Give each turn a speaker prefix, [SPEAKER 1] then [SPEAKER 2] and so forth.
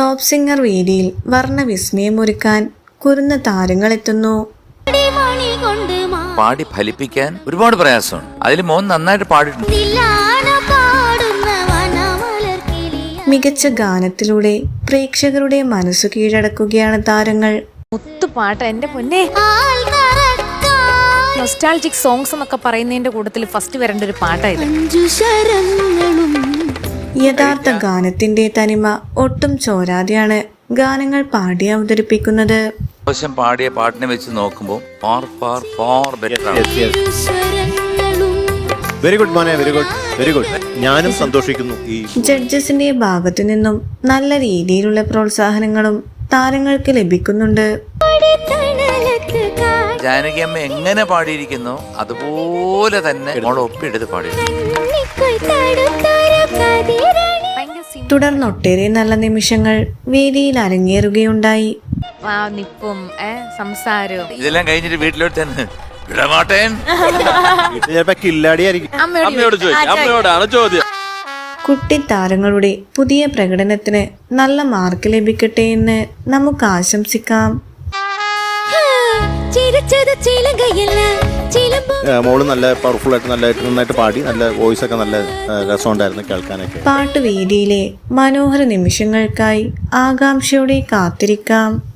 [SPEAKER 1] Top singer വേദിയിൽ വർണ്ണവിസ്മയമൊരുക്കാൻ കുരുന്ന താരങ്ങളെത്തുന്നു.
[SPEAKER 2] പാടി ഫലിപ്പിക്കാൻ ഒരുപാട് പ്രയാസമുണ്ട്. അതിൽ മോൻ നന്നായിട്ട് പാടിയിട്ടുണ്ട്.
[SPEAKER 1] മികച്ച ഗാനത്തിലൂടെ പ്രേക്ഷകരുടെ മനസ്സു കീഴടക്കുകയാണ് താരങ്ങൾ.
[SPEAKER 3] മുത്തുപാട്ട് എന്റെ പൊന്നെ. നൊസ്റ്റാൾജിക് സോങ്സ് എന്നൊക്കെ പറയുന്നതിന്റെ കൂട്ടത്തിൽ ഫസ്റ്റ് വരേണ്ട ഒരു പാട്ടായിരുന്നു.
[SPEAKER 1] യഥാർത്ഥ ഗാനത്തിന്റെ തനിമ ഒട്ടും ചോരാതെയാണ് ഗാനങ്ങൾ പാടി അവതരിപ്പിക്കുന്നത്.
[SPEAKER 2] പാടിയ പാട്ടിനെ വെച്ച് നോക്കുമ്പോൾ ഫാർ ഫാർ ഫാർ ബെറ്റർ ആണ്.
[SPEAKER 4] വെരി ഗുഡ് മോനെ, വെരി ഗുഡ്, വെരി ഗുഡ്. ഞാനും സന്തോഷിക്കുന്നു. ഈ
[SPEAKER 1] ജഡ്ജസിന്റെ ഭാഗത്തു നിന്നും നല്ല രീതിയിലുള്ള പ്രോത്സാഹനങ്ങളും താരങ്ങൾക്ക് ലഭിക്കുന്നുണ്ട്.
[SPEAKER 2] ജാനകി അമ്മ എങ്ങനെ പാടിയിരിക്കുന്നു അതുപോലെ തന്നെ ഒപ്പിയെടുത്ത് പാടിയിരുന്നു.
[SPEAKER 1] തുടർന്ന് ഒട്ടേറെ നല്ല നിമിഷങ്ങൾ വേദിയിൽ അരങ്ങേറുകയുണ്ടായി.
[SPEAKER 3] നിപ്പും സംസാരവും
[SPEAKER 2] ഇതെല്ലാം കഴിഞ്ഞിട്ട് വീട്ടിലോട്ട് തന്നെ വിടമാട്ടേൻ.
[SPEAKER 4] അമ്മയോടാണ് ചോദ്യം.
[SPEAKER 1] കുട്ടിത്താരങ്ങളുടെ പുതിയ പ്രകടനത്തിന് നല്ല മാർക്ക് ലഭിക്കട്ടെ എന്ന് നമുക്ക് ആശംസിക്കാം.
[SPEAKER 4] മോള് നല്ല പവർഫുൾ ആയിട്ട് നന്നായിട്ട് പാടി. നല്ല വോയിസ് ഒക്കെ നല്ല രസമുണ്ടായിരുന്നു കേൾക്കാനൊക്കെ.
[SPEAKER 1] പാട്ടുവേദിയിലെ മനോഹര നിമിഷങ്ങൾക്കായി ആകാംക്ഷയോടെ കാത്തിരിക്കാം.